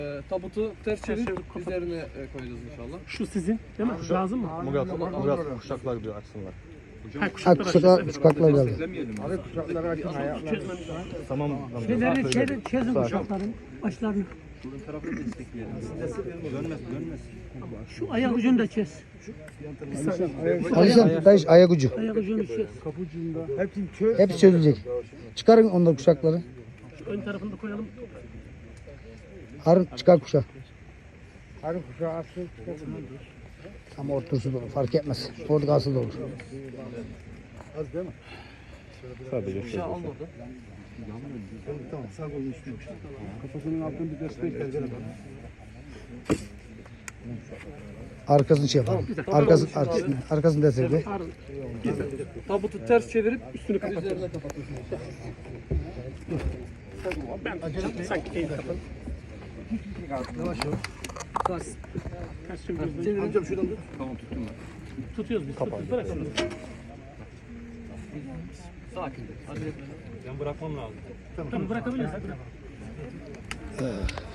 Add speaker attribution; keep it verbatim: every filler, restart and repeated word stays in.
Speaker 1: Ee, tabutu ters çevirip üzerine e, koyacağız inşallah.
Speaker 2: Şu sizin değil mi? Lazım mı?
Speaker 3: Murat, Murat kuşaklar diyor açsınlar.
Speaker 2: Ha,
Speaker 4: Ha,
Speaker 2: kuşaklar
Speaker 4: kuşaklar,
Speaker 2: açacağız.
Speaker 4: kuşaklar geldi.
Speaker 5: Abi kuşakları açın ayaklar.
Speaker 2: Çözmemiz lazım.
Speaker 3: Tamam.
Speaker 6: Şeyleri çerin, çözün kuşakların başlarını. Şu ayak ucunu da kes.
Speaker 4: Ali sen dayış ayak ucu.
Speaker 6: Ayak ucunu kes.
Speaker 5: Hepsini çöz.
Speaker 4: Hepsi çözülecek. Çıkarın onları kuşakları.
Speaker 2: Şu ön tarafını da koyalım.
Speaker 4: Harun çıkar kuşak.
Speaker 5: Harun kuşağı açsın.
Speaker 4: Ama ortası da olur. Fark etmez. Orada kalsı da olur.
Speaker 3: Sadece
Speaker 1: Kuşağı al orada.
Speaker 5: Tamam sağ kolunu üstüne. Kafasının altını bir destek ver.
Speaker 4: Arkasını şey yapalım. Arkasını, arkasını, arkasını destekle.
Speaker 1: Tabutu ters çevirip
Speaker 2: Üstünü kapat.
Speaker 1: üzerine kapatıyorsun.
Speaker 2: Ben sanki eğil kapalı.
Speaker 1: Ters.
Speaker 2: Ters çeviriyoruz.
Speaker 1: Çevirin.
Speaker 5: Amcam şuradan tut.
Speaker 2: Tutuyoruz biz. Tutuyoruz. Bırakalım.
Speaker 1: Sakin. Acele etme.
Speaker 2: Tamam bırakabiliriz.